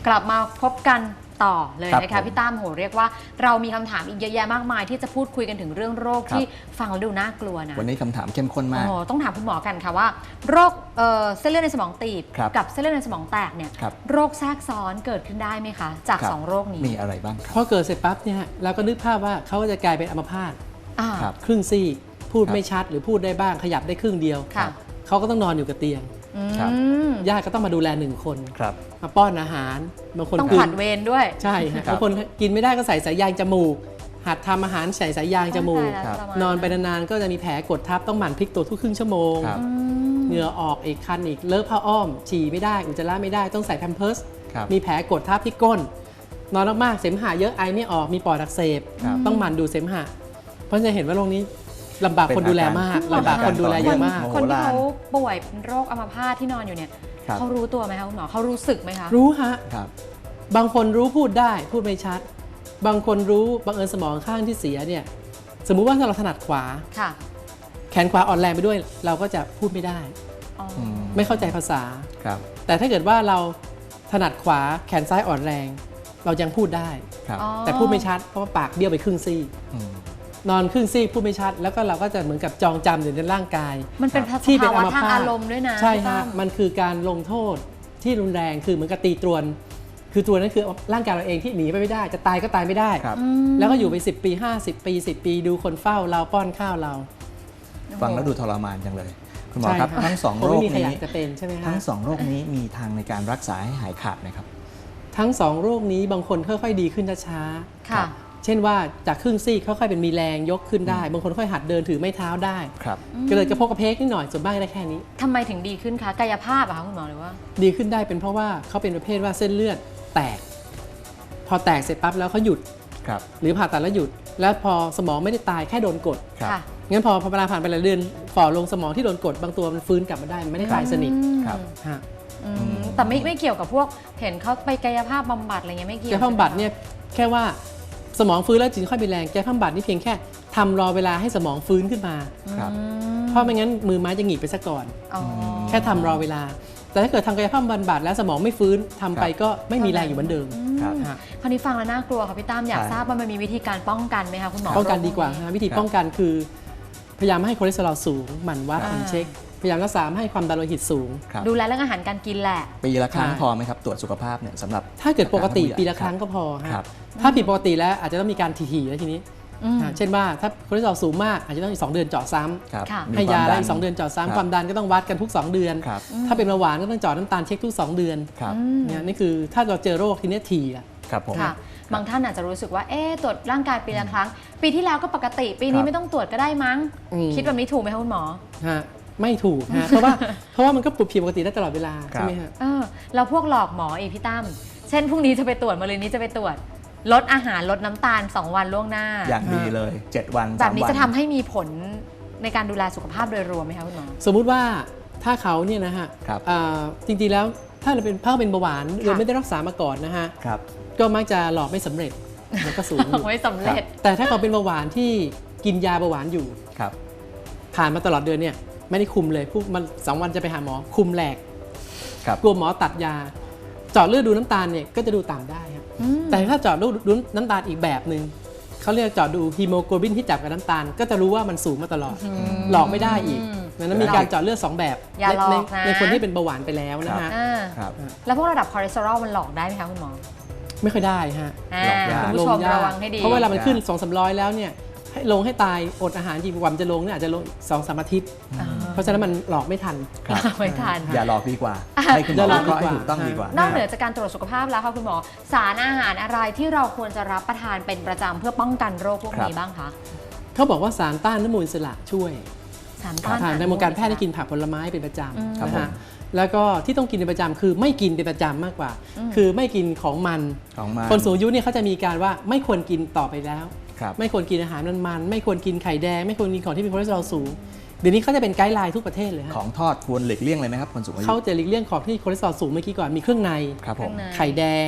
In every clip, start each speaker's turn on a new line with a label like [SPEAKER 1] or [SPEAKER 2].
[SPEAKER 1] กลับมาพบกันต่อเลย
[SPEAKER 2] ครับ
[SPEAKER 1] นะคะพี่ตั้มโหเรียกว่าเรามีคำถามอีกเยอะแยะมากมายที่จะพูดคุยกันถึงเรื่องโรคที่ฟังแล้วดูน่ากลัวนะ
[SPEAKER 2] วันนี้คำถามเข้มข้นมาก
[SPEAKER 1] โอ้ต้องถามคุณหมอกันค่ะว่าโรคเส้นเลือดในสมองตีบ
[SPEAKER 2] ครับ
[SPEAKER 1] กับเส้นเลือดในสมองแตกเนี่ย
[SPEAKER 2] ครับ
[SPEAKER 1] โรคแทรกซ้อนเกิดขึ้นได้ไหมคะจาก
[SPEAKER 2] ครับ
[SPEAKER 1] สองโรคนี้
[SPEAKER 2] มีอะไรบ้างค
[SPEAKER 3] พ
[SPEAKER 2] รับ
[SPEAKER 3] อเกิดเสร็จปั๊บเนี่ยเราก็นึกภาพว่าเขาจะกลายเป็นอัมพาต
[SPEAKER 1] อ่า
[SPEAKER 2] ครับ
[SPEAKER 3] ครึ่งซีกพูด
[SPEAKER 2] ครับ
[SPEAKER 3] ไม่ชัดหรือพูดได้บ้างขยับได้ครึ่งเดียว
[SPEAKER 1] ค่ะ
[SPEAKER 3] เขาก็ต้องนอนอยู่กับเตียง
[SPEAKER 2] ครับ
[SPEAKER 1] อืม
[SPEAKER 3] ญาติก็ต้องมาดูแลหนึ่งคน
[SPEAKER 2] ครับ
[SPEAKER 3] มาป้อนอาหารบางคน
[SPEAKER 1] ต้อง
[SPEAKER 3] กิ
[SPEAKER 1] ผลัดเวรด้วย
[SPEAKER 3] ใช่ฮะ
[SPEAKER 2] ครับ
[SPEAKER 3] บางคนกินไม่ได้ก็ใส่สายยางจมูก หัดทำอาหารใส่สายยางจมูก
[SPEAKER 1] ตายแล้ว
[SPEAKER 2] ครับ
[SPEAKER 1] ทรมาน
[SPEAKER 3] อนไปนานๆก็จะมีแผลกดทับต้องหมั่นพลิกตัวทุกครึ่งชั่วโมง
[SPEAKER 2] ครับ
[SPEAKER 1] อืม
[SPEAKER 3] เหงื่อออกอีกคันอีกเลอะผ้าอ้อม ฉี่ไม่ได้อุจจาระไม่ได้ต้องใส่แพมเพิร์ส
[SPEAKER 2] ครับ
[SPEAKER 3] มีแผลกดทับที่ก้น นอนมากๆเสมหะเยอะไอไม่ออกมีปอดอักเสบ
[SPEAKER 2] ครับ
[SPEAKER 3] ต้องหมั่นดูดเสมหะเพราะจะเห็นว่าโรคนี้ลำบากคนดูแลมาก
[SPEAKER 2] เป็นอาการ
[SPEAKER 3] ลำบากคนดูแลเยอะมาก
[SPEAKER 2] โอ้โห
[SPEAKER 1] คนที่เขาป่วยเป็นโรคอัมพาตที่นอนอยู่เนี่ย
[SPEAKER 2] ครับ
[SPEAKER 1] เขารู้ตัวไหมคะคุณหมอเขารู้สึกไหมคะ
[SPEAKER 3] รู้ฮะ
[SPEAKER 2] ครับ
[SPEAKER 3] บางคนรู้พูดได้พูดไม่ชัด บางคนรู้บังเอิญสมองข้างที่เสียเนี่ยสมมุติว่าถ้าเราถนัดขวา
[SPEAKER 1] ค่ะ
[SPEAKER 3] แขนขวาอ่อนแรงไปด้วย เราก็จะพูดไม่ได้
[SPEAKER 1] อ๋อ
[SPEAKER 3] ไม่เข้าใจภาษา
[SPEAKER 2] ครับ
[SPEAKER 3] แต่ถ้าเกิดว่าเราถนัดขวาแขนซ้ายอ่อนแรง เรายังพูดได้
[SPEAKER 2] ครับ
[SPEAKER 1] อ๋อ
[SPEAKER 3] แต่พูดไม่ชัดเพราะว่าปากเบี้ยวไปครึ่งซี่
[SPEAKER 2] ม
[SPEAKER 3] นอนครึ่งซี่พูดไม่ชัด แล้วก็เราก็จะเหมือนกับจองจำอยู่ในร่างกาย
[SPEAKER 1] มันเป็น
[SPEAKER 3] ที่เป็น
[SPEAKER 1] ภาวะ
[SPEAKER 3] อัมพาต
[SPEAKER 1] ทางอารมณ์ด้วยนะ
[SPEAKER 3] ใช่
[SPEAKER 1] พี่
[SPEAKER 3] ฮะ
[SPEAKER 1] ตั้ม
[SPEAKER 3] มันคือการลงโทษที่รุนแรงคือเหมือนกับตีตรวน คือตัวนั้นคือร่างกายเราเองที่หนีไปไม่ได้ จะตายก็ตายไม่ได้
[SPEAKER 2] ครับ
[SPEAKER 3] แล้วก็อยู่ไป10 ปี 50 ปี 10 ปีดูคนเฝ้าเราป้อนข้าวเรา
[SPEAKER 2] ฟังแล้วดูทรมานจังเลย คุณหมอครับ
[SPEAKER 3] ใช่
[SPEAKER 2] ทั้งสอง
[SPEAKER 3] คง
[SPEAKER 2] โร
[SPEAKER 3] ไม่
[SPEAKER 2] ค
[SPEAKER 3] มีใครอ
[SPEAKER 2] นี้
[SPEAKER 3] ยากจะเป็นใช่ไหมฮะ
[SPEAKER 2] ทั้งสองโรคนี้มีทางในการรักษาให้หายขาดไหมครับ
[SPEAKER 3] ทั้งสองโรคนี้บางคนค่อยๆดีขึ้นช้า
[SPEAKER 1] ค่ะ
[SPEAKER 3] ๆเช่นว่าจากครึ่งซี่ค่อยๆเป็นมีแรงยกขึ้นได้ บางคนค่อยหัดเดินถือไม้เท้าได้
[SPEAKER 2] ครับ
[SPEAKER 3] ก็เลยกระโพกกระเพกนิดหน่อยส่วนมากได้แค่นี้
[SPEAKER 1] ทำไมถึงดีขึ้นคะกายภาพอะคะคุณหมอหรือว่า
[SPEAKER 3] ดีขึ้นได้เป็นเพราะว่าเขาเป็นประเภทว่าเส้นเลือดแตก พอแตกเสร็จปั๊บแล้วเขาหยุด
[SPEAKER 2] ครับ
[SPEAKER 3] หรือผ่าตัดแล้วหยุด แล้วพอสมองไม่ได้ตายแค่โดนกด
[SPEAKER 2] ครับ
[SPEAKER 1] ค่ะ
[SPEAKER 3] งั้นพอเวลาผ่านไปหลายเดือนฝ่อลงสมองที่โดนกด บางตัวมันฟื้นกลับมาได้มันไม่ได้ตายสนิท
[SPEAKER 2] ครับ
[SPEAKER 3] ฮะ
[SPEAKER 1] แต่ไม่เกี่ยวกับพวกเห็นเขาไปกายภาพบำบัดอะไรเงี้ยไม่เกี่ยว
[SPEAKER 3] แก้บำบัดเนี่ยแค่ว่าสมองฟื้นแล้วจึงค่อยมีแรงแก้บำบัดนี่เพียงแค่ทำรอเวลาให้สมองฟื้นขึ้นมา
[SPEAKER 2] ครับ
[SPEAKER 3] เพราะไม่งั้นมือไม้จะหงิกไปซะก่อน
[SPEAKER 1] อ๋อ
[SPEAKER 3] แค่ทำรอเวลา แต่ถ้าเกิดทำกายภาพบำบัดแล้วสมองไม่ฟื้นทำไปก็ไม่มีแรงอยู่เหมือนเดิม
[SPEAKER 2] ครับ
[SPEAKER 3] ฮะ
[SPEAKER 1] คราวนี้ฟังแล้วน่ากลัวค่ะพี่ตั้มอยาก
[SPEAKER 2] ใช่
[SPEAKER 1] ทราบว่ามันมีวิธีการป้องกันไหมคะคุณหมอ
[SPEAKER 3] ป้องกันดีกว่า
[SPEAKER 1] โรคพ
[SPEAKER 3] ฮะ
[SPEAKER 1] นี้
[SPEAKER 3] วิธีป้องกันคือ พยายามไม่ให้คอเลสเตอรอลสูงหมั่นวัด
[SPEAKER 1] อ่า
[SPEAKER 3] หมั่นเช็ค พยายามรักษาไม่ให้ความดันโลหิตสูง
[SPEAKER 2] ครับ
[SPEAKER 1] ดูแลเรื่องอาหารการกินแหละ
[SPEAKER 2] ปีละครั้ง
[SPEAKER 3] ใช่
[SPEAKER 2] พอไหมครับตรวจสุขภาพเนี่ยสำหรับ
[SPEAKER 3] ถ้าเกิดปกติ
[SPEAKER 2] ผู้ใหญ่
[SPEAKER 3] ปีละครั้งก็พอฮะ
[SPEAKER 2] ครับ
[SPEAKER 3] ถ้าผิดปกติแล้วอาจจะต้องมีการถี่ๆแล้วทีนี้
[SPEAKER 1] อืม
[SPEAKER 3] เช่นว่าถ้าคอเลสเตอรอลสูงมากอาจจะต้องอีก2เดือนเจาะซ้ำ
[SPEAKER 2] ครับ
[SPEAKER 1] ค่ะ
[SPEAKER 2] มี
[SPEAKER 3] ให้ยา
[SPEAKER 2] ควม
[SPEAKER 3] ได้อีก2เดือนเจาะ
[SPEAKER 2] ครับ
[SPEAKER 3] ซ้ำความดันก็ต้องวัดกันทุก2เดือน
[SPEAKER 2] ครับ
[SPEAKER 3] ถ้าเป็นเบาหวานก็ต้องเจาะน้ำตาลเช็คทุก2เดือน
[SPEAKER 2] ครับ
[SPEAKER 3] เนี่ยนี่คือถ้าเราเจอโรคทีนี้ถี่ละ
[SPEAKER 2] ครับผม
[SPEAKER 1] ค่ะ บางท่านอาจจะรู้สึกว่าตรวจร่างกายปีละครั้ง ปีที่แล้วก็ปกติ ปีนี้
[SPEAKER 2] ครับ
[SPEAKER 1] ไม่ต้องตรวจก็ได้มั้ง
[SPEAKER 3] อืม
[SPEAKER 1] คิดแบบนี้ถูกไหมคะคุณหมอ
[SPEAKER 3] ฮะไม่ถูกฮะ เพราะว่ามันก็ปรับผิดปกติได้ตลอดเวลา
[SPEAKER 2] ครับ
[SPEAKER 3] ใช่ไหมฮะ
[SPEAKER 1] แล้วพวกหลอกหมออีกพี่ตั้มเช่นพรุ่งนี้จะไปตรวจมะรืนนี้จะไปตรวจ ลดอาหารลดน้ำตาล 2 วันล่วงหน้า
[SPEAKER 2] อย่างดีเลย 7 วัน
[SPEAKER 1] แบบนี้
[SPEAKER 2] 3วัน
[SPEAKER 1] จะทำให้มีผลในการดูแลสุขภาพโดยรวมไหมคะคุณหมอ
[SPEAKER 3] สมมุติว่าถ้าเขาเนี่ยนะฮะ
[SPEAKER 2] ครับ
[SPEAKER 3] จริงๆแล้วถ้าเราเป็นเบาหวานโดยไม่ได้รักษามาก่อนนะฮะ
[SPEAKER 2] ครับ
[SPEAKER 3] ก็มักจะหลอกไม่สำเร็จมันก็สูงอยู่
[SPEAKER 1] ไม่สำเร็จ
[SPEAKER 3] แต่ถ้าเขาเป็นเบาหวานที่กินยาเบาหวานอยู่
[SPEAKER 2] ครับ
[SPEAKER 3] ผ่านมาตลอดเดือนเนี่ยไม่ได้คุมเลยพวกมัน2 วันจะไปหาหมอคุมแหลก
[SPEAKER 2] ครับ
[SPEAKER 3] กลัวหมอตัดยา เจาะเลือดดูน้ำตาลเนี่ยก็จะดูต่ำได้ครับแต่ถ้าเจาะเลือดดูน้ำตาลอีกแบบหนึ่งเขาเรียกเจาะดูฮีโมโกลบินที่จับกับน้ำตาล ก็จะรู้ว่ามันสูงมาตลอด หลอกไม่ได้อีกดังนั้นมีการเจาะเลือด2 แบบ
[SPEAKER 1] อย่าหลอก
[SPEAKER 3] ใน
[SPEAKER 1] นะ
[SPEAKER 3] ในคนที่เป็นเบาหวานไปแล้วนะฮะ
[SPEAKER 1] อ่า
[SPEAKER 2] ครับ
[SPEAKER 1] แล้วพวกระดับคอเลสเตอรอลมันหลอกได้ไหมคะคุณหมอ
[SPEAKER 3] ไม่ค่อยได้ฮะ
[SPEAKER 1] อ่า
[SPEAKER 2] หลอกยาก
[SPEAKER 1] คุณผู้ชม
[SPEAKER 3] ยาก
[SPEAKER 1] ระวังให้ดี
[SPEAKER 3] เพราะเวลามันขึ้น 200-300 แล้วเนี่ยให้ลงให้ตายอดอาหารจริงกว่ามันจะลงเนี่ยอาจจะลง2-3 อาทิตย์ เพราะฉะนั้นมันหลอกไม่ทัน
[SPEAKER 2] ครับ
[SPEAKER 1] ไม่ทัน
[SPEAKER 2] อย่าหลอกดีกว่า ให้คุณหมอ
[SPEAKER 3] อย่าหลอก
[SPEAKER 2] วิเคราะห์ให้
[SPEAKER 3] ดีกว่า
[SPEAKER 2] ถูกต้องดีกว่า
[SPEAKER 1] นอกเหนือจากการตรวจสุขภาพแล้วค่ะคุณหมอ สารอาหารอะไรที่เราควรจะรับประทานเป็นประจำเพื่อป้องกันโรคพวกนี้บ้างคะ
[SPEAKER 3] เขาบอกว่าสารต้านอนุมูลอิสระช่วย
[SPEAKER 1] สารต้าน
[SPEAKER 3] ทางในวงการแพทย์ได้กินผักผลไม้เป็นประจ
[SPEAKER 2] ครับ
[SPEAKER 3] ำนะ
[SPEAKER 2] ผม
[SPEAKER 3] ฮะแล้วก็ที่ต้องกินเป็นประจำคือไม่กินเป็นประจำมากกว่า คือไม่กินของมัน
[SPEAKER 2] ของมา
[SPEAKER 3] คนสูงอายุเนี่ยเขาจะมีการว่าไม่ควรกินต่อไปแล้ว
[SPEAKER 2] ครับ
[SPEAKER 3] ไม่ควรกินอาหารมันๆไม่ควรกินไข่แดง ไม่ควรกินของที่มีคอเลสเตอรอลสูง เดี๋ยวนี้เขาจะเป็นไกด์ไลน์ทุกประเทศเลยฮะ
[SPEAKER 2] ของทอดควรหลีกเลี่ยงเลยไหมครับคนสูงอายุ
[SPEAKER 3] เขาจะหลีกเลี่ยงของที่คอเลสเตอรอลสูงเมื่อกี้ก่อนมีเครื่องใน
[SPEAKER 2] ครับผม
[SPEAKER 3] ไข่แดง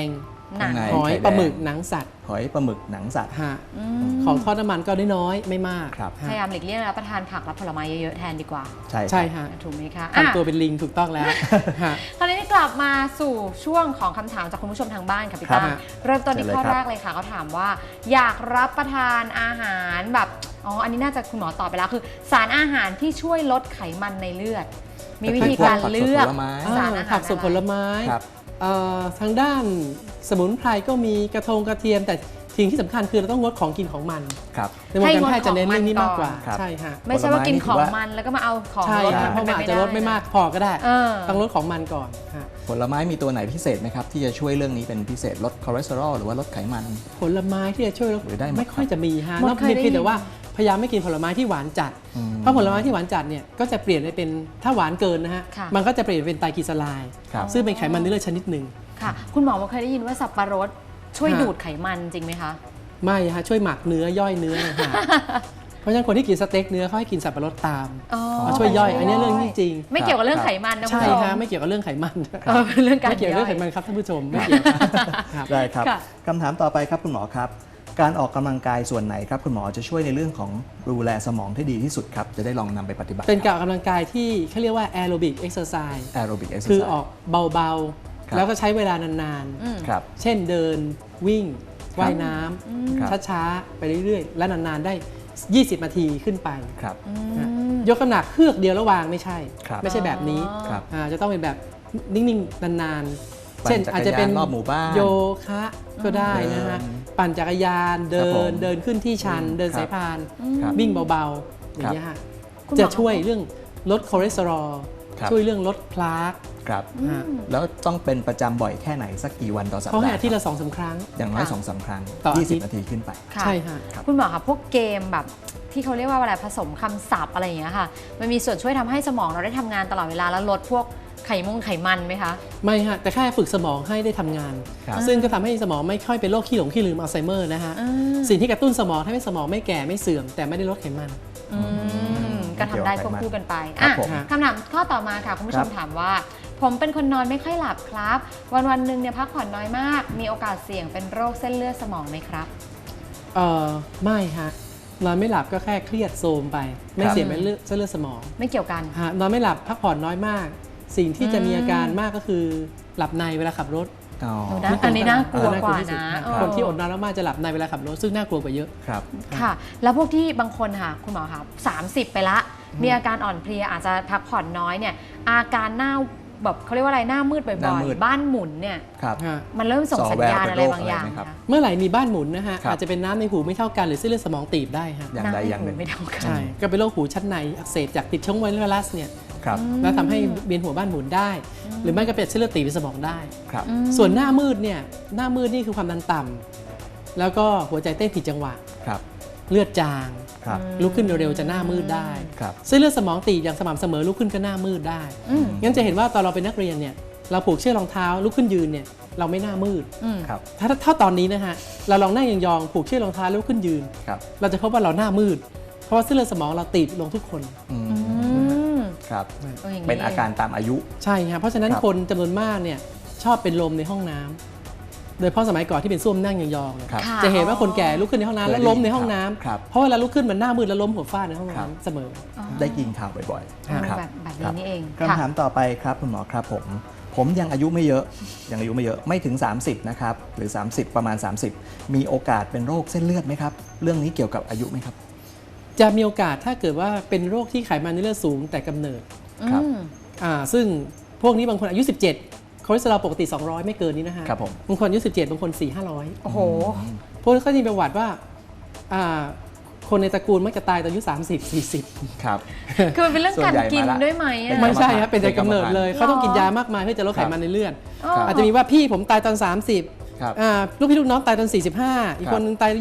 [SPEAKER 1] หนัง
[SPEAKER 2] ข้างใน
[SPEAKER 3] หอย
[SPEAKER 2] ไข่แดง
[SPEAKER 3] ปลาหมึกหนังสัตว์
[SPEAKER 2] หอยปลาหมึกหนังสัตว์
[SPEAKER 3] ฮะ
[SPEAKER 1] อืม
[SPEAKER 3] ของทอดน้ำมันก็น้อยๆไม่มาก
[SPEAKER 2] ครับ
[SPEAKER 1] พ
[SPEAKER 3] ฮะ
[SPEAKER 1] ยายามหลีกเลี่ยงรับประทานผักและผลไม้เยอะๆแทนดีกว่า
[SPEAKER 2] ใช่
[SPEAKER 3] ใช่
[SPEAKER 2] ครับ
[SPEAKER 3] ฮะ
[SPEAKER 1] ถูกไหมคะอ่ะ
[SPEAKER 3] ทำตัวเป็นลิงถูกต้องแล้วฮะ
[SPEAKER 1] คราวนี้กลับมาสู่ช่วงของคำถามจากคุณผู้ชมทางบ้านค่ะพี่ตั้ม
[SPEAKER 3] ครับ
[SPEAKER 1] เริ่มต้นที่
[SPEAKER 2] เชิญเลย
[SPEAKER 1] ข้อ
[SPEAKER 2] ครับ
[SPEAKER 1] แรกเลยค่ะเขาถามว่า อยากรับประทานอาหารแบบอ๋ออันนี้น่าจะคุณหมอตอบไปแล้วคือ สารอาหารที่ช่วยลดไขมันในเลือด มีวิธีการเลือก
[SPEAKER 2] ผักสดผลไม้
[SPEAKER 1] สารอาหาร
[SPEAKER 3] ผักสดผลไม้
[SPEAKER 2] ครับ
[SPEAKER 3] ทางด้านสมุนไพรก็มีกระเทียม แต่สิ่งที่สำคัญคือเราต้องงดของกินของมัน
[SPEAKER 2] ครับ
[SPEAKER 3] ในวงการแพทย์จะเน้นเรื่องนี้มากกว่า
[SPEAKER 2] ครับ
[SPEAKER 3] ใช่ฮะ
[SPEAKER 1] ไม่ใช่ว่ากินของ
[SPEAKER 2] ผลไม้นี่ถือว่า
[SPEAKER 1] มันแล้วก็มาเอาของ
[SPEAKER 3] ใช่
[SPEAKER 1] ลด
[SPEAKER 3] ฮะเพราะมันอาจจะลดไม่มากพอก็ได้
[SPEAKER 1] เออ
[SPEAKER 3] ต้องลดของมันก่อนฮะ
[SPEAKER 2] ผลไม้มีตัวไหนพิเศษไหมครับ ที่จะช่วยเรื่องนี้เป็นพิเศษลดคอเลสเตอรอลหรือว่าลดไขมัน
[SPEAKER 3] ผลไม้ที่จะช่วยลด
[SPEAKER 2] หรือได้หมด
[SPEAKER 3] ไม่ค่อยจะมีฮะ
[SPEAKER 1] หมด
[SPEAKER 3] นอก
[SPEAKER 1] เคยได้
[SPEAKER 3] เพียงแต่
[SPEAKER 1] ยิน
[SPEAKER 3] ว่าพยายามไม่กินผลไม้ที่หวานจัด
[SPEAKER 2] อืม
[SPEAKER 3] เพราะผลไม้ที่หวานจัดเนี่ยก็จะเปลี่ยนไปเป็นถ้าหวานเกินนะฮะ
[SPEAKER 1] ค่ะ
[SPEAKER 3] มันก็จะเปลี่ยนเป็นไตรกลีเซอไรด์
[SPEAKER 2] ครับ
[SPEAKER 3] ซึ่งเป็นไขมันในเลือดชนิดหนึ่ง
[SPEAKER 1] ค่ะ คุณหมอเคยได้ยินว่าสับปะรดช่วย
[SPEAKER 3] ฮะ
[SPEAKER 1] ดูดไขมันจริงไหมคะ
[SPEAKER 3] ไม่ฮะช่วยหมักเนื้อย่อยเนื้อนะฮะ เพราะฉะนั้นคนที่กินสเต็กเนื้อเขาให้กินสับปะรดตาม
[SPEAKER 1] อ๋อ
[SPEAKER 3] มาช่วยย่อย อันนี้เรื่องนี้จริง
[SPEAKER 1] ไม่เกี่ยวกับเรื่องไขมันนะคุณ
[SPEAKER 3] ใช่
[SPEAKER 1] ผู้ชม
[SPEAKER 3] ฮะไม่เกี่ยวกับเรื่องไขมัน
[SPEAKER 1] เออเป็นเรื่องการ
[SPEAKER 3] ไม่เกี่ยวกับเรื่องไข
[SPEAKER 1] ย่
[SPEAKER 3] มั
[SPEAKER 1] อย
[SPEAKER 3] นครับท่านผู้ชมไม่เกี่ยวครับ
[SPEAKER 2] ได้ครับ
[SPEAKER 1] ค่ะ
[SPEAKER 2] คำถามต่อไปครับคุณหมอครับ การออกกำลังกายส่วนไหนครับคุณหมอจะช่วยในเรื่องของดูแลสมองที่ดีที่สุดครับ จะได้ลองนำไปปฏิบัติ
[SPEAKER 3] เป็นการออกกำลังกายที่เขาเรียกว่าแอโรบิกเอ็กซ์ไซส์
[SPEAKER 2] แอโรบิกเอ็กซ์
[SPEAKER 3] คือ
[SPEAKER 2] ไซ
[SPEAKER 3] ออก
[SPEAKER 2] ส์
[SPEAKER 3] เบา
[SPEAKER 2] ครับ
[SPEAKER 3] ๆ แล้วก็ใช้เวลานาน
[SPEAKER 1] อืม
[SPEAKER 2] ครับ
[SPEAKER 3] ๆ เช่นเดินวิ่งว่ายน้
[SPEAKER 2] ครับ
[SPEAKER 3] ำช้าๆ ไปเรื่อยๆ และนานๆได้ 20 นาทีขึ้นไป
[SPEAKER 2] ครับ
[SPEAKER 3] นะยกน้ำหนักเฮือกเดียวแล้ววางไม่ใช่
[SPEAKER 2] ครับ
[SPEAKER 3] ไม่ใช่แบบนี้
[SPEAKER 2] ครับ
[SPEAKER 3] จะต้องเป็นแบบนิ่งๆ นานๆ
[SPEAKER 2] ปั่น
[SPEAKER 3] เช่นอาจจะเป็น
[SPEAKER 2] จักรยานรอบหมู่บ้าน
[SPEAKER 3] โยคะก็ได้นะฮะ
[SPEAKER 2] เดิน
[SPEAKER 3] ปั่นจักรยานเดิ
[SPEAKER 2] ครับผม
[SPEAKER 3] นเดินขึ้นที่ชัน เดิน
[SPEAKER 2] ครับ
[SPEAKER 3] สายพาน
[SPEAKER 2] ครับ
[SPEAKER 3] วิ่งเบาๆ อย่างนี้ยฮะ
[SPEAKER 1] คุณหมอ
[SPEAKER 3] จะช่วยเรื่องลดคอเลสเตอรอล
[SPEAKER 2] ครับ
[SPEAKER 3] ช่วยเรื่องลดพลาร์ก
[SPEAKER 2] ครับ
[SPEAKER 3] ฮะ
[SPEAKER 2] แล้วต้องเป็นประจำบ่อยแค่ไหนสักกี่วันต่อสัป
[SPEAKER 3] เขาให้
[SPEAKER 2] ดาห์
[SPEAKER 3] อาทิตย์ละ2-3 ครั้ง
[SPEAKER 2] อย่างน้อย
[SPEAKER 1] ค่ะ
[SPEAKER 2] 2-3 ครั้ง
[SPEAKER 3] ต่ออาทิตย์
[SPEAKER 2] 20 นาทีขึ้นไป
[SPEAKER 1] ค่ะ
[SPEAKER 3] ใช่ฮะ
[SPEAKER 2] ครับ
[SPEAKER 1] คุณหมอคะพวกเกมแบบที่เขาเรียกว่าอะไรผสมคำศัพท์อะไรอย่างเงี้ยค่ะ มันมีส่วนช่วยทำให้สมองเราได้ทำงานตลอดเวลาแล้วลดพวกไขมันไหมคะ
[SPEAKER 3] ไม่ฮะ แต่แค่ฝึกสมองให้ได้ทำงาน
[SPEAKER 2] ครับ
[SPEAKER 3] ซึ่งก็ทำให้สมองไม่ค่อยเป็นโรคขี้หลงขี้ลืมอัลไซเมอร์นะฮะ สิ่งที่กระตุ้นสมองทำให้สมองไม่แก่ไม่เสื่อม แต่ไม่ได้ลดไขมัน
[SPEAKER 1] ก็ทำได้ควบคู่กันไป
[SPEAKER 2] ครับ
[SPEAKER 1] อ่ะ
[SPEAKER 2] ผม
[SPEAKER 1] คำถามข้อต่อมาค่ะ คุณผู้ชม
[SPEAKER 2] ครับ
[SPEAKER 1] ถามว่า ผมเป็นคนนอนไม่ค่อยหลับครับ วันหนึ่งเนี่ยพักผ่อนน้อยมาก มีโอกาสเสี่ยงเป็นโรคเส้นเลือดสมองไหมครับ
[SPEAKER 3] ไม่ฮะ นอนไม่หลับก็แค่เครียดโทรมไป ไม่
[SPEAKER 2] ครับ
[SPEAKER 3] เสียเป็นเส้นเลือดสมอง
[SPEAKER 1] ไม่เกี่ยวกัน
[SPEAKER 3] ฮะนอนไม่หลับพักผ่อนน้อยมาก สิ่งที่จะมีอาการมากก็คือหลับในเวลาขับรถ
[SPEAKER 2] อ๋อ
[SPEAKER 1] หนูนะ อันนี้น่ากลัวกว่า
[SPEAKER 3] ที่สุด
[SPEAKER 1] นะ
[SPEAKER 3] คนที่อดนอนมากๆจะหลับในเวลาขับรถซึ่งน่ากลัวกว่าเยอะ
[SPEAKER 2] ครับ
[SPEAKER 1] ค่ะ แล้วพวกที่บางคนค่ะ คุณหมอคะ30 ไปละ มีอาการอ่อนเพลียอาจจะพักผ่อนน้อยเนี่ย อาการหน้าแบบเขาเรียกว่าอะไรหน้ามืดบ่
[SPEAKER 2] หน้า
[SPEAKER 1] อย
[SPEAKER 2] มืด
[SPEAKER 1] ๆ บ้านหมุนเนี่ย
[SPEAKER 2] ครับ
[SPEAKER 1] มันเริ่มส่งสัญญาณ
[SPEAKER 2] ส่อแววเป็น
[SPEAKER 1] อะไรบางอย่าง
[SPEAKER 2] โรคอะไรไหมครับ
[SPEAKER 1] คะ
[SPEAKER 3] เมื่อไหร่มีบ้านหมุนนะฮะ
[SPEAKER 2] ครับ
[SPEAKER 3] อาจจะเป็นน้ำในหูไม่เท่ากันหรือเส้นเลือดสมองตีบได้ฮะ
[SPEAKER 2] อย่างใดอย่างหนึ่ง
[SPEAKER 1] ไม่เท่ากัน
[SPEAKER 3] ใช่ก็เป็นโรคหูชั้นในอักเสบจากติดเชื้อไวรัสเนี่ย
[SPEAKER 2] ครับ
[SPEAKER 3] แล้วทำให้เวียนหัวบ้านหมุนได้ หรือไม่ก็เป็นเส้นเลือดตีบในสมองได้
[SPEAKER 2] ครับ
[SPEAKER 3] ส่วนหน้ามืดเนี่ยหน้ามืดนี่คือความดันต่ำแล้วก็หัวใจเต้นผิดจังหวะ
[SPEAKER 2] ครับ
[SPEAKER 3] เลือดจาง
[SPEAKER 2] ครับ
[SPEAKER 3] ลุกขึ้นเร็วๆจะหน้ามืดได้
[SPEAKER 2] ครับ
[SPEAKER 3] เส้นเลือดสมองตีบอย่างสม่ำเสมอลุกขึ้นก็หน้ามืดได้
[SPEAKER 1] อืม
[SPEAKER 3] งั้นจะเห็นว่าตอนเราเป็นนักเรียนเนี่ยเราผูกเชือกรองเท้าลุกขึ้นยืนเนี่ยเราไม่หน้ามืด
[SPEAKER 1] อืม
[SPEAKER 2] ครับ
[SPEAKER 3] ถ้าตอนนี้นะฮะเราลองนั่งยองๆผูกเชือกรองเท้าลุกขึ้นยืน
[SPEAKER 2] ครับ
[SPEAKER 3] เราจะพบว่าเราหน้ามืด เพราะว่าเส้นเลือดสมองเราตีบลงทุกคน
[SPEAKER 2] อืม
[SPEAKER 1] อืม
[SPEAKER 2] ครับ
[SPEAKER 1] ย่ง
[SPEAKER 2] เป็นอาการตามอายุ
[SPEAKER 3] ใช่ครับเพราะฉะนั้น
[SPEAKER 2] ครับ
[SPEAKER 3] คนจำนวนมากเนี่ยชอบเป็นลมในห้องน้ำโดยเฉพาะสมัยก่อนที่เป็นส้วมนั่งยองๆเนี่ย
[SPEAKER 2] ครับ
[SPEAKER 1] ค่ะ
[SPEAKER 3] จะเห็นว่าคนแก่ลุกขึ้นในห้องน้ำแล้วล้มในห้องน้ำ
[SPEAKER 2] ครับ
[SPEAKER 3] เพราะเวลาลุกขึ้นมันหน้ามืดแล้วล้มหัวฟาดในห้อง
[SPEAKER 2] ครับ
[SPEAKER 3] น้ำเสมอ
[SPEAKER 2] ได้ยินข่าวบ่อย
[SPEAKER 1] อ๋อ
[SPEAKER 2] ๆครับ
[SPEAKER 1] แบบ
[SPEAKER 2] ครั
[SPEAKER 1] นี้นี่เอง
[SPEAKER 2] คำถามต่อไปครับคุณหมอครับผมยังอายุไม่เยอะยังอายุไม่เยอะไม่ถึง 30 นะครับ หรือ 30 ประมาณ 30 มีโอกาสเป็นโรคเส้นเลือดไหมครับ เรื่องนี้เกี่ยวกับอายุไหมครับ
[SPEAKER 3] จะมีโอกาสถ้าเกิดว่าเป็นโรคที่ไขมันในเลือดสูงแต่กำเนิด
[SPEAKER 2] ครับ
[SPEAKER 3] ซึ่งพวกนี้บางคนอายุ 17 คอเลสเตอรอลปกติ 200 ไม่เกินนี้นะฮะ
[SPEAKER 2] ครับผม
[SPEAKER 3] บางคนอายุ 17 บางคน 400-500
[SPEAKER 1] โอ้โห
[SPEAKER 3] พวกนี้ก็จะมีประวัติว่าคนในตระกูลมักจะตายตอนอายุ 30-40
[SPEAKER 2] ครับ
[SPEAKER 1] คือมันเป็นเรื่องการกินด้วยไหมอะ
[SPEAKER 3] ไม่ใช่ครับเป็นแต่กำเนิดเลย
[SPEAKER 1] หรอ
[SPEAKER 3] เขาต้องกินยามากมายเพื่อจะลดไขมันในเลือด
[SPEAKER 1] อ๋อ
[SPEAKER 3] อาจจะมีว่าพี่ผมตายตอน 30
[SPEAKER 2] ครับ
[SPEAKER 3] ลูกพี่ลูกน้องตายตอน 45 อีกคนนึงตายตอน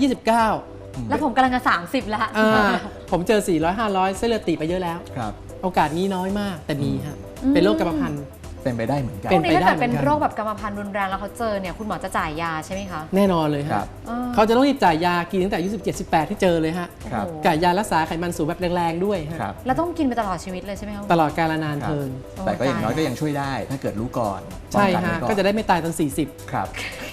[SPEAKER 3] 29
[SPEAKER 1] แล้วผมกำลังจะ30แล้ว
[SPEAKER 3] ผมเจอ 400-500 เส้นเลือดตีบไปเยอะแล้ว
[SPEAKER 2] ครับ
[SPEAKER 3] โอกาสนี้น้อยมากแต่มีฮะเป็นโรคกรรมพันธุ์
[SPEAKER 2] เป็นไปได้เหมือนกัน
[SPEAKER 1] พวกนี้ถ้าเกิด
[SPEAKER 3] เป็นไปได้
[SPEAKER 1] เป็นโรคแบบกรรมพันธุ์รุนแรงแล้วเขาเจอเนี่ยคุณหมอจะจ่ายยาใช่ไหมคะ
[SPEAKER 3] แน่นอนเลย
[SPEAKER 2] ครั
[SPEAKER 3] ฮะ
[SPEAKER 2] บ
[SPEAKER 3] เขาจะต้องรีบจ่ายยากินตั้งแต่อายุ17-18 ที่เจอเลยฮะ
[SPEAKER 2] ครับ
[SPEAKER 1] โอ้โห
[SPEAKER 3] จ่ายยารักษาไขมันสูงแบบแรงๆด้วยฮะ
[SPEAKER 2] ครับ
[SPEAKER 1] แล้วต้องกินไปตลอดชีวิตเลยใช่ไหมคะ
[SPEAKER 3] ตลอดกาลนาน
[SPEAKER 2] ครับ
[SPEAKER 3] เทิน
[SPEAKER 2] แต่ก็อย่างน้อยก็ยังช่วยได้ ถ้าเกิดรู้ก่อน
[SPEAKER 3] ใช่
[SPEAKER 2] ป้องน
[SPEAKER 3] ฮะ
[SPEAKER 2] ไว้อน
[SPEAKER 3] ก็จะได้ไม่ตายตอน 40
[SPEAKER 2] ครับ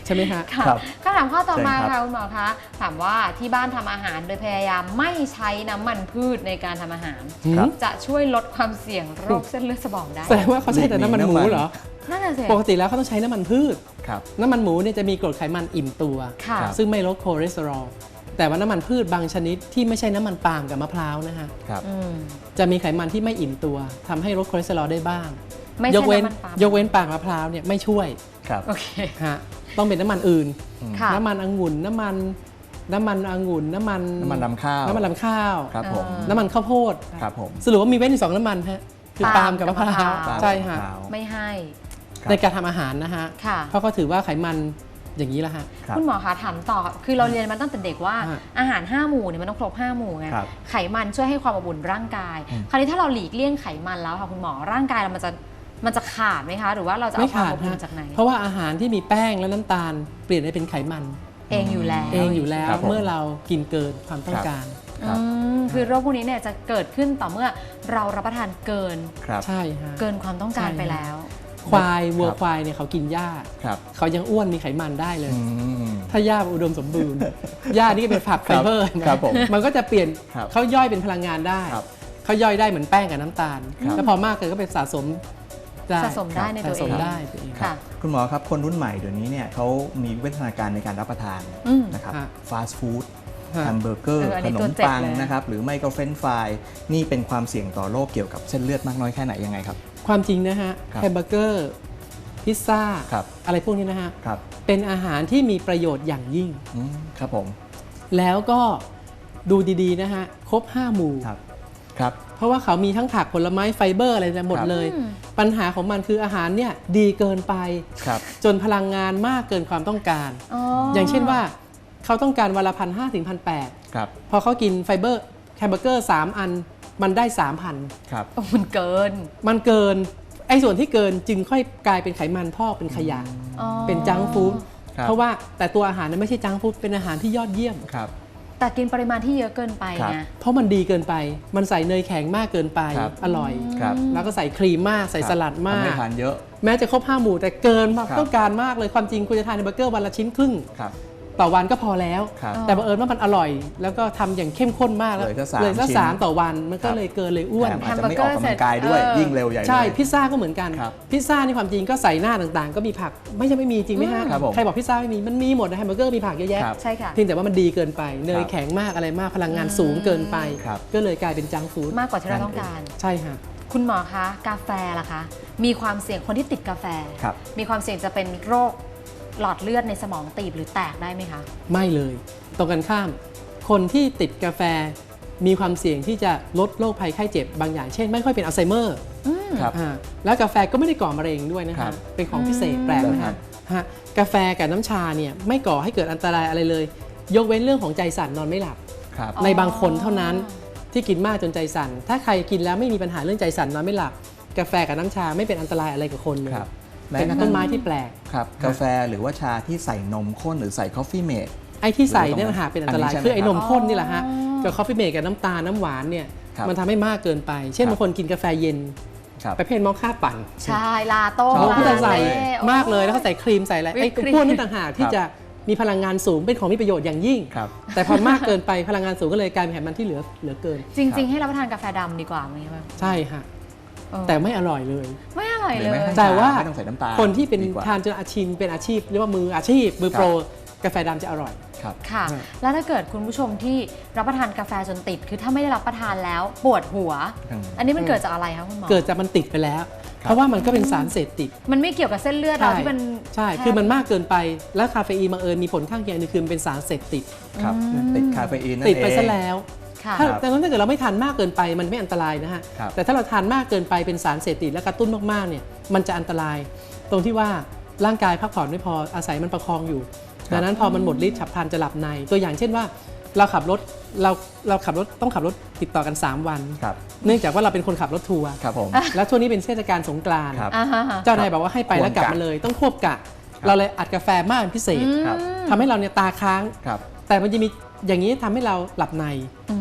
[SPEAKER 3] ใช่ไหมฮะ
[SPEAKER 1] ค่ะ
[SPEAKER 2] ครับ
[SPEAKER 1] คำถามข้อต่อมา
[SPEAKER 2] เชิญครับ
[SPEAKER 1] ค่ะคุณหมอคะถามว่าที่บ้านทำอาหารโดยพยายามไม่ใช้น้ำมันพืชในการทำอาหาร
[SPEAKER 2] ครับ
[SPEAKER 1] จะช่วยลดความเสี่ยงโรคเส้นเลือดสมองได้
[SPEAKER 3] แสดงว่าเขาใช้แต่น้ำมันหมูเหรอ
[SPEAKER 1] นั่นน่ะสิ
[SPEAKER 3] ปกติแล้วเขาต้องใช้น้ำมันพืช
[SPEAKER 2] ครับ
[SPEAKER 3] น้ำมันหมูเนี่ยจะมีกรดไขมันอิ่มตัว
[SPEAKER 1] ค่ะ
[SPEAKER 2] ครับ
[SPEAKER 3] ซึ่งไม่ลดคอเลสเตอรอลแต่ว่าน้ำมันพืชบางชนิดที่ไม่ใช่น้ำมันปาล์มกับมะพร้าวนะฮะ
[SPEAKER 2] ครับ
[SPEAKER 1] อืม
[SPEAKER 3] จะมีไขมันที่ไม่อิ่มตัวทำให้ลดคอเลสเตอรอลได้บ้าง
[SPEAKER 1] ไม่
[SPEAKER 3] ย
[SPEAKER 1] ใช่
[SPEAKER 3] กเว้น
[SPEAKER 1] น้ำมันปาล์ม
[SPEAKER 3] ยกเว้นปาล์มมะพร้าวเนี่ยไม่ช่วย
[SPEAKER 2] ครับ
[SPEAKER 1] โอเค
[SPEAKER 3] ฮะต้องเป็นน้ำมันอื่น
[SPEAKER 1] ค่ะ
[SPEAKER 3] น้ำมันองุ่นน้ำมันองุ่นน้ำมัน
[SPEAKER 2] น้ำมันรำข้าว
[SPEAKER 3] น้ำมันลำข้าว
[SPEAKER 2] ครับผม
[SPEAKER 3] น้ำมันข้าวโพด
[SPEAKER 2] ครับผม
[SPEAKER 3] สรุปว่ามีเว้นอยู่สองน้ำมันฮะคือปาล์มกับมะพร้าว
[SPEAKER 1] ปาล์มกับมะพร้าว
[SPEAKER 3] ใช่ฮะ
[SPEAKER 1] ไม่ให้
[SPEAKER 2] ครับ
[SPEAKER 3] ในการทำอาหารนะฮะ
[SPEAKER 1] ค่ะ
[SPEAKER 3] เพราะเขาถือว่าไขมันอย่างนี้แหละฮะ
[SPEAKER 2] ครับ
[SPEAKER 1] คุณหมอคะถามต่อคือเราเรียนมาตั้งแต่เด็กว่า
[SPEAKER 3] ฮะ
[SPEAKER 1] อาหาร 5 หมู่เนี่ยมันต้องครบ 5 หมู่ไง
[SPEAKER 2] ครับ
[SPEAKER 1] ไขมันช่วยให้ความอบอุ่นร่างกาย คราวนี้ถ้าเราหลีกเลี่ยงไขมันแล้วค่ะคุณหมอร่างกายเรามันจะขาดไหมคะ หรือว่าเราจะ
[SPEAKER 3] ไม่
[SPEAKER 1] เอาความ
[SPEAKER 3] ขาด
[SPEAKER 1] อบอุ่น
[SPEAKER 3] ฮะ
[SPEAKER 1] จากไหน
[SPEAKER 3] เพราะว่าอาหารที่มีแป้งและน้ำตาลเปลี่ยนให้เป็นไขมัน
[SPEAKER 1] เองอยู่แล้ว
[SPEAKER 3] เองอยู่แล้ว
[SPEAKER 2] ครับผม
[SPEAKER 3] เมื่อเรากินเกินความต้องการ
[SPEAKER 2] ครับ
[SPEAKER 1] คือโรคพวกนี้เนี่ยจะเกิดขึ้นต่อเมื่อเรารับประทานเกิน
[SPEAKER 2] ครับ
[SPEAKER 3] ใช่ฮะ
[SPEAKER 1] เกินความต้องการ
[SPEAKER 3] ใช่
[SPEAKER 1] ไปแล้ว
[SPEAKER 3] ควายวัว
[SPEAKER 2] ครับ
[SPEAKER 3] ควายเนี่ยเขากินหญ้า
[SPEAKER 2] ครับ
[SPEAKER 3] เขายังอ้วนมีไขมันได้เลย
[SPEAKER 2] อืม
[SPEAKER 3] ถ้าหญ้าอุดมสมบูรณ์ หญ้านี่ก็เป็นผักไฟเบอร์นะครับ
[SPEAKER 2] ผม
[SPEAKER 3] มันก็จะเปลี่ยน
[SPEAKER 2] ครับ
[SPEAKER 3] เขาย่อยเป็นพลังงานได้
[SPEAKER 2] ครับ
[SPEAKER 3] เขาย่อยได้เหมือนแป้งกับน้ำตาล
[SPEAKER 2] ครับ
[SPEAKER 3] แล้วพอมากเกินก็เป็นสะสมได้
[SPEAKER 1] สะสมได้ในตัวเอง
[SPEAKER 3] สะสมได้ตัวเอง
[SPEAKER 1] ค่ะ
[SPEAKER 2] คุณหมอครับคนรุ่นใหม่เดี๋ยวนี้เนี่ยเขามีวิวัฒนาการในการรับประทาน
[SPEAKER 1] อืม
[SPEAKER 2] นะครับ
[SPEAKER 3] ฮะ
[SPEAKER 2] ฟาสต์ฟู้ด
[SPEAKER 3] ฮะ
[SPEAKER 2] แฮมเบอร์เกอร์
[SPEAKER 1] อัน
[SPEAKER 2] ข
[SPEAKER 1] นี้
[SPEAKER 2] น
[SPEAKER 1] ตัว
[SPEAKER 2] ม
[SPEAKER 1] เจ็บ
[SPEAKER 2] ปัง
[SPEAKER 1] เลย
[SPEAKER 2] นะครับหรือไม่ก็เฟรนช์ฟรายนี่เป็นความเสี่ยงต่อโรคเกี่ยวกับเส้นเลือดมากน้อยแค่ไหนยังไงครับ
[SPEAKER 3] ความจริงนะฮะ
[SPEAKER 2] ครับ
[SPEAKER 3] แฮมเบอร์เกอร์พิซซ่า
[SPEAKER 2] ครับ
[SPEAKER 3] อะไรพวกนี้นะฮะ
[SPEAKER 2] ครับ
[SPEAKER 3] เป็นอาหารที่มีประโยชน์อย่างยิ่ง
[SPEAKER 2] ครับผม
[SPEAKER 3] แล้วก็ดูดีๆนะฮะ ครบ 5 หมู่
[SPEAKER 2] ครับครับ
[SPEAKER 3] เพราะว่าเขามีทั้งผักผลไม้ไฟเบอร์อะไรหมด
[SPEAKER 2] ครับ
[SPEAKER 3] เลย
[SPEAKER 1] อืม
[SPEAKER 3] ปัญหาของมันคืออาหารเนี่ยดีเกินไป
[SPEAKER 2] ครับ
[SPEAKER 3] จนพลังงานมากเกินความต้องการ
[SPEAKER 1] อย่าง
[SPEAKER 3] เช่นว่าเขาต้องการวันละ1,500 ถึง 1,800
[SPEAKER 2] ครับ
[SPEAKER 3] พอเขากินไฟเบอร์แฮมเบอร์เกอร์ 3 อันมันได้ 3,000
[SPEAKER 2] ครับ
[SPEAKER 1] มันเกิน
[SPEAKER 3] มันเกินไอ้ส่วนที่เกินจึงค่อยกลายเป็นไขมันพอกเป็นขยะ
[SPEAKER 1] อ๋อ
[SPEAKER 3] เป็นจังก์ฟู้ด
[SPEAKER 2] ครับ
[SPEAKER 3] เพราะว่าแต่ตัวอาหารนั้นไม่ใช่จังก์ฟู้ดเป็นอาหารที่ยอดเยี่ยม
[SPEAKER 2] ครับ
[SPEAKER 1] แต่กินปริมาณที่เยอะเกินไป
[SPEAKER 2] ครับ
[SPEAKER 1] ไง
[SPEAKER 3] เพราะมันดีเกินไป มันใส่เนยแข็งมากเกินไป
[SPEAKER 2] ครับ
[SPEAKER 3] อร่อย
[SPEAKER 2] ครับ
[SPEAKER 3] แล้วก็ใส่ครีมมาก ใส่สลัดมา
[SPEAKER 2] ทำให้
[SPEAKER 3] ก
[SPEAKER 2] ทานเยอะ
[SPEAKER 3] แม้จะครบ 5 หมู่แต่เกินมา
[SPEAKER 2] ครับ
[SPEAKER 3] ต้องการมากเลย ความจริงคุณจะทานแฮมเบอร์เกอร์วันละชิ้นครึ่ง
[SPEAKER 2] ครับ
[SPEAKER 3] ต่อวันก็พอแล้ว
[SPEAKER 2] ครับ
[SPEAKER 3] แต่บังเอิญว่ามันอร่อย แล้วก็ทำอย่างเข้มข้นมากแล้ว
[SPEAKER 2] เลยซะ3
[SPEAKER 3] สามต่อวัน มันก็
[SPEAKER 2] ครับ
[SPEAKER 3] เลยเกินเลยอ้วน
[SPEAKER 2] แถมอาจจะไม่ออกกำลังกายด้วย
[SPEAKER 1] แฮมเบอร์เกอร์เสร็จ
[SPEAKER 2] ยิ่งเร็วใหญ่เลย
[SPEAKER 3] ใช่พิซซ่าก็เหมือนกัน
[SPEAKER 2] ครับ
[SPEAKER 3] พิซซ่านี่ความจริงก็ใส่หน้าต่างๆ ก็มีผักไม่ใช่ไม่มีจริงไหมฮะ
[SPEAKER 2] ครับผม
[SPEAKER 3] ใครบอกพิซซ่าไม่มีมันมีหมดนะแฮมเบอร์เกอร์มีผักเยอะแยะ
[SPEAKER 2] ครับ
[SPEAKER 1] ใช่ค่ะ
[SPEAKER 3] เพียงแต่ว่ามันดีเกินไป เน
[SPEAKER 2] ค
[SPEAKER 3] ย
[SPEAKER 2] รับ
[SPEAKER 3] แข็งมากอะไรมากพลังงานสูงเกินไป
[SPEAKER 2] ครับ
[SPEAKER 3] ก็เลยกลายเป็นจังก์ฟู้ด
[SPEAKER 1] มากกว่าที่เราต้องการ
[SPEAKER 3] ใช่ฮะ
[SPEAKER 1] คุณหมอคะกาแฟล่ะคะ มีความเสี่ยงคนที่ติดกาแฟ
[SPEAKER 2] ครับ
[SPEAKER 1] มีความเสี่ยงจะเป็นโรคหลอดเลือดในสมองตีบหรือแตกได้ไหมคะ
[SPEAKER 3] ไม่เลย ตรงกันข้าม คนที่ติดกาแฟมีความเสี่ยงที่จะลดโรคภัยไข้เจ็บบางอย่าง เช่นไม่ค่อยเป็นอัลไซเมอร์
[SPEAKER 2] ครับ
[SPEAKER 3] แล้วกาแฟก็ไม่ได้ก่อมะเร็งด้วยนะ
[SPEAKER 2] ครั
[SPEAKER 3] ฮะ
[SPEAKER 2] บ
[SPEAKER 3] เป็นของพิเศษแปลกนะ
[SPEAKER 2] ครั
[SPEAKER 3] ฮะ
[SPEAKER 2] บ
[SPEAKER 3] ฮะกาแฟกับน้ำชาเนี่ยไม่ก่อให้เกิดอันตรายอะไรเลย ยกเว้นเรื่องของใจสั่นนอนไม่หลับ
[SPEAKER 2] ครับ
[SPEAKER 1] อ๋อ
[SPEAKER 3] ในบางคนเท่านั้นที่กินมากจนใจสั่น ถ้าใครกินแล้วไม่มีปัญหาเรื่องใจสั่นนอนไม่หลับ กาแฟกับน้ำชาไม่เป็นอันตรายอะไรกับคนเลย
[SPEAKER 2] ครับ
[SPEAKER 3] เป็นต้นไม้ที่แปลก
[SPEAKER 2] ครับกาแฟหรือว่าชาที่ใส่นมข้นหรือใส่คอฟฟี่เมด
[SPEAKER 3] ไอ้ที่ใส่เนี่ยนะฮะเป็นอันตราย
[SPEAKER 2] อันนี้ใช่ไหม
[SPEAKER 3] คือไอ้นมข้นนี่แหละฮะ
[SPEAKER 1] อ๋อ
[SPEAKER 3] กับคอฟฟี่เมดกับน้ำตาลน้ำหวานเนี่ย
[SPEAKER 2] ครับ
[SPEAKER 3] มันทำให้มากเกินไป เช่น
[SPEAKER 2] ครับ
[SPEAKER 3] บางคนกินกาแฟเย็น
[SPEAKER 2] ครับ
[SPEAKER 3] ประเภทมอคค่าปั่น
[SPEAKER 1] ใช่ลาโต้
[SPEAKER 2] ชอบ
[SPEAKER 3] เขาก็จะใส่
[SPEAKER 1] ลาเต้
[SPEAKER 3] มากเลยแล้วเขาใส่ครีมใส่อะไร
[SPEAKER 1] วิ
[SPEAKER 3] ไอ้
[SPEAKER 1] ปครีม
[SPEAKER 3] พวกนี้ต่างหากที่
[SPEAKER 2] ครับ
[SPEAKER 3] จะมีพลังงานสูงเป็นของมีประโยชน์อย่างยิ่ง
[SPEAKER 2] ครับ
[SPEAKER 3] แต่พอมากเกินไปพลังงานสูงก็เลยกลายเป็นไขมันที่เหลือเกิน
[SPEAKER 1] จริง ๆ ให้รับประทานกาแฟดำดีกว่าไหมคะ
[SPEAKER 3] ใช่ฮะ
[SPEAKER 1] เออ
[SPEAKER 3] แต่ไม่อร่อยเลย
[SPEAKER 1] ไม่อร่อย
[SPEAKER 2] หรื
[SPEAKER 1] เล
[SPEAKER 2] อไม่
[SPEAKER 1] ย
[SPEAKER 2] ให้
[SPEAKER 3] แต่ว่า
[SPEAKER 2] ไม่ต้องใส่น้ำตาล
[SPEAKER 3] คนที่เป็น
[SPEAKER 2] ดีกว่า
[SPEAKER 3] ทานจนอาชีพเป็นอาชีพเรียกว่ามืออาชีพมือโปรกาแฟดำจะอร่อย
[SPEAKER 2] ครับ
[SPEAKER 1] ค่ะ
[SPEAKER 3] ใช่
[SPEAKER 1] แล้วถ้าเกิดคุณผู้ชมที่รับประทานกาแฟจนติด คือถ้าไม่ได้รับประทานแล้วปวดหัว
[SPEAKER 2] อืม
[SPEAKER 1] อันนี้มันเกิดจากอะไรคะคุณหมอ
[SPEAKER 3] เกิดจากมันติดไปแล้ว เพราะว่ามันก็เป็นสารเสพติด
[SPEAKER 1] มันไม่เกี่ยวกับเส้นเลือดเราที่มัน
[SPEAKER 3] ใช่
[SPEAKER 1] แ
[SPEAKER 3] คือมันมากเกินไป แล้วคาเฟอีนบังเอิญมีผลข้างเคียงหนึงคือมันเป็นสารเสพติด
[SPEAKER 2] ครับ ติดคาเฟอีนนั่น
[SPEAKER 3] ติดไป
[SPEAKER 2] เอง
[SPEAKER 3] ซะแล้ว
[SPEAKER 1] ค่ะ
[SPEAKER 3] ถ้าดังนั้นถ้าเกิดเราไม่ทานมากเกินไปมันไม่อันตรายนะฮะ
[SPEAKER 2] ครับ
[SPEAKER 3] แต่ถ้าเราทานมากเกินไปเป็นสารเสพติดและกระตุ้นมากๆเนี่ยมันจะอันตราย ตรงที่ว่าร่างกายพักผ่อนไม่พออาศัยมันประคองอยู่ ดังนั้นพอมันหมดฤทธิ์ฉับพลันจะหลับใน ตัวอย่างเช่นว่าเราขับรถเราขับรถต้องขับรถติดต่อกัน 3 วัน
[SPEAKER 2] ครับ
[SPEAKER 3] เนื่องจากว่าเราเป็นคนขับรถทัวร์
[SPEAKER 2] ครับผม
[SPEAKER 3] แล้วช่วงนี้เป็นเทศกาลสงกรานต์
[SPEAKER 2] ครับ
[SPEAKER 1] อ่าฮะ
[SPEAKER 3] เจ้านายบอกว่าให้ไปแล้วกลับ
[SPEAKER 2] ควรกะ
[SPEAKER 3] มาเลยต้องควบกะ เราเลยอัดกาแฟมากเป็นพิเศษ
[SPEAKER 2] ครับ
[SPEAKER 3] ทำให้เราเนี่ยตาค้าง
[SPEAKER 2] ครับ
[SPEAKER 3] แต่มันจะมีอย่างนี้ทำให้เราหลับใน
[SPEAKER 1] อืม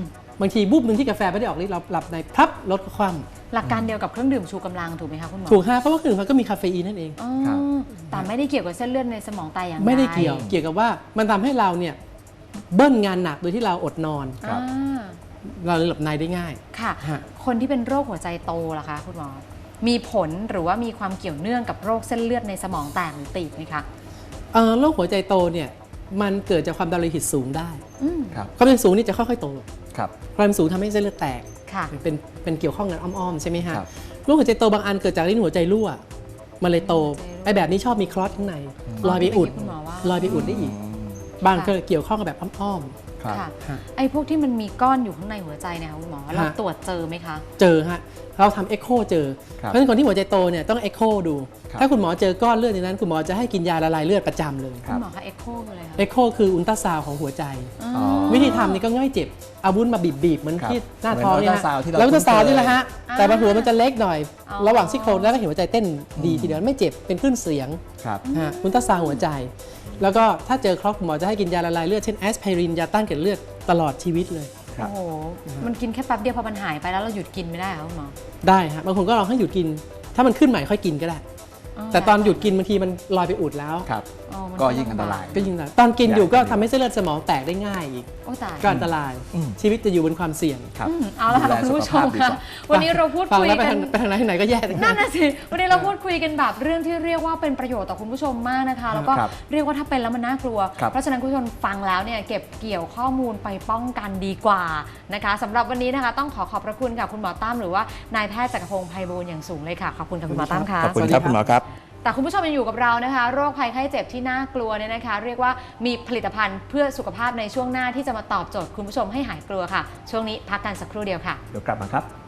[SPEAKER 3] บางทีบูบหนึ่งที่กาแฟไม่ได้ออกฤทธิ์เราหลับในพับลดความ
[SPEAKER 1] หลักการเดียวกับเครื่องดื่มชูกำลังถูกไหมคะคุณหมอ
[SPEAKER 3] ถูกฮะเพราะว่าเครื่องดื่มมันก็มีคาเฟอีนนั่นเอง
[SPEAKER 1] อ๋อ
[SPEAKER 2] ครับ
[SPEAKER 1] แต่ไม่ได้เกี่ยวกับเส้นเลือดในสมองตายอย่างใด
[SPEAKER 3] ไม่ได้เกี่ยวกับว่ามันทำให้เราเนี่ยเบิ้ลงานหนักโดยที่เราอดนอน
[SPEAKER 2] ครับ
[SPEAKER 1] อ่า
[SPEAKER 3] เราเลยหลับในได้ง่าย
[SPEAKER 1] ค่ะ
[SPEAKER 3] ฮะ
[SPEAKER 1] คนที่เป็นโรคหัวใจโตล่ะคะคุณหมอ มีผลหรือว่ามีความเกี่ยวเนื่องกับโรคเส้นเลือดในสมองแตกหรือตีบไหมคะ
[SPEAKER 3] โรคหัวใจโตเนี่ยมันเกิดจากความดันโลหิตสูงได้
[SPEAKER 1] อืม
[SPEAKER 2] ครับ
[SPEAKER 3] ความดันสูงนี่จะค่อยๆโต
[SPEAKER 2] ครับ
[SPEAKER 3] ความดันสูงทำให้เส้นเลือดแตก
[SPEAKER 1] ค่ะ
[SPEAKER 3] เป็นเกี่ยวข้องกันอ้อมๆใช่ไหมฮะ
[SPEAKER 2] ครับ
[SPEAKER 3] โรคหัวใจโตบางอันเกิดจากลิ้นหัวใจรั่วมันเลยโต
[SPEAKER 1] หัวใจรั่ว
[SPEAKER 3] ไอ้แบบนี้ชอบมีคลอตข้างในลอยไปอุด
[SPEAKER 1] คุณหมอว่า
[SPEAKER 3] ลอยไปอุดได้อีก บางก็เกี่ยวข้องกับแบบอ้อม
[SPEAKER 2] ครับ
[SPEAKER 1] ค่ะ
[SPEAKER 3] ฮะ
[SPEAKER 1] ไอ้พวกที่มันมีก้อนอยู่ข้างในหัวใจเนี่ยค่ะคุณหมอ เรา
[SPEAKER 3] ฮะ
[SPEAKER 1] ตรวจเจอไหมคะ
[SPEAKER 3] ๆเจอฮะเราทำเอ็กโคเจอ
[SPEAKER 2] ครับ
[SPEAKER 3] เพราะฉะนั้นคนที่หัวใจโตเนี่ยต้องเอ็กโคดู
[SPEAKER 2] ครับ
[SPEAKER 3] ถ้าคุณหมอเจอก้อนเลือดในนั้นคุณหมอจะให้กินยาละลายเลือดประจำเลย
[SPEAKER 2] ค
[SPEAKER 1] คุ
[SPEAKER 2] รับ
[SPEAKER 1] ณหมอคะเอ็กโคคืออะไรคะ
[SPEAKER 3] เอ็กโคคืออุลตราซาวด์ของหัวใจ
[SPEAKER 1] อ๋อ
[SPEAKER 2] อ๋อ
[SPEAKER 3] วิธีทำนี่ก็ง่ายเจ็บเอาวุ้นมาบีบๆเหมือน
[SPEAKER 2] ครับ
[SPEAKER 3] ที่หน้าท้องเนี่ย
[SPEAKER 2] เหมือน ultrasound ที่เรา
[SPEAKER 3] แล้วอุลตราซาวด์
[SPEAKER 2] คุ้นเคย
[SPEAKER 3] นี่แหละฮะแต่บนหัวมันจะเล็กหน่อย
[SPEAKER 1] อ๋อ
[SPEAKER 3] ระหว่างซี่โครงแล้วก็เห็นหัวใจเต้นดีทีเดียวไม่เจ็บเป็นคลื่นเสียง
[SPEAKER 2] ครับ
[SPEAKER 3] ฮะอุลตราซาวด์หัวใจ แล้วก็ถ้าเจอครอบคุณหมอจะให้กินยาละลายเลือดเช่นแอสไพรินยาต้านเกล็ดเลือดตลอดชีวิตเลย
[SPEAKER 2] ครับ
[SPEAKER 1] โอ้โห มันกินแค่แป๊บเดียวพอมันหายไปแล้วเราหยุดกินไม่ได้เหรอคุณหมอ
[SPEAKER 3] ได้ฮะบางคนก็ลองให้หยุดกิน ถ้ามันขึ้นใหม่ค่อยกินก็ได้ แต่ตอนหยุดกินบางทีมันลอยไปอุดแล้ว
[SPEAKER 2] ครับ
[SPEAKER 1] อ๋อมัน
[SPEAKER 2] ก็ยิ่งอันตราย
[SPEAKER 3] ก็ยิ่งตอนกินอยู่ก็ทำให้เส้นเลือดสมองแตกได้ง่ายอีก
[SPEAKER 1] โอ้ตาย
[SPEAKER 3] ก็อันตราย
[SPEAKER 2] อืม
[SPEAKER 3] ชีวิตจะอยู่บนความเสี่ยง
[SPEAKER 2] ครับ
[SPEAKER 1] เอาละค่ะ
[SPEAKER 2] ดูแล
[SPEAKER 1] คุณผู้ช
[SPEAKER 2] สุข
[SPEAKER 1] ม
[SPEAKER 2] ภาพดีก
[SPEAKER 1] ค่ะ
[SPEAKER 2] ว่า
[SPEAKER 1] วันนี้เราพูด
[SPEAKER 3] ฟัง
[SPEAKER 1] คุย
[SPEAKER 3] แล้วไป
[SPEAKER 1] กั
[SPEAKER 3] ทาน งไปทางไหนก็แย่ทั้ง
[SPEAKER 1] นั่
[SPEAKER 3] นั้น น
[SPEAKER 1] น่ะสิ วันนี้เราพูดคุยกันแบบเรื่องที่เรียกว่าเป็นประโยชน์ต่อคุณผู้ชมมากนะคะ แล้วก็
[SPEAKER 2] ครับ
[SPEAKER 1] เรียกว่าถ้าเป็นแล้วมันน่ากลัว
[SPEAKER 2] ครับ
[SPEAKER 1] เพราะฉะนั้นคุณผู้ชมฟังแล้วเนี่ยเก็บเกี่ยวข้อมูลไปป้องกันดีกว่านะคะสำหรับวันนี้นะคะต้องขอบพระคุณค่ะคุณหมอตั้มหรือว่านายแพทย์จักรพงศ์ไพบูลย์อย่างสูงเลยค่ะขอบคุณค่ะคุณหมอตั้มค่ะ
[SPEAKER 2] ขอบคุณครับคุณหมอครับ
[SPEAKER 1] แต่คุณผู้ชมยังอยู่กับเรานะคะ โรคภัยไข้เจ็บที่น่ากลัวเนี่ยนะคะ เรียกว่ามีผลิตภัณฑ์เพื่อสุขภาพในช่วงหน้าที่จะมาตอบโจทย์คุณผู้ชมให้หายกลัวค่ะ ช่วงนี้พักกันสักครู่เดียวค่ะ
[SPEAKER 2] เดี๋ยวกลับมาครับ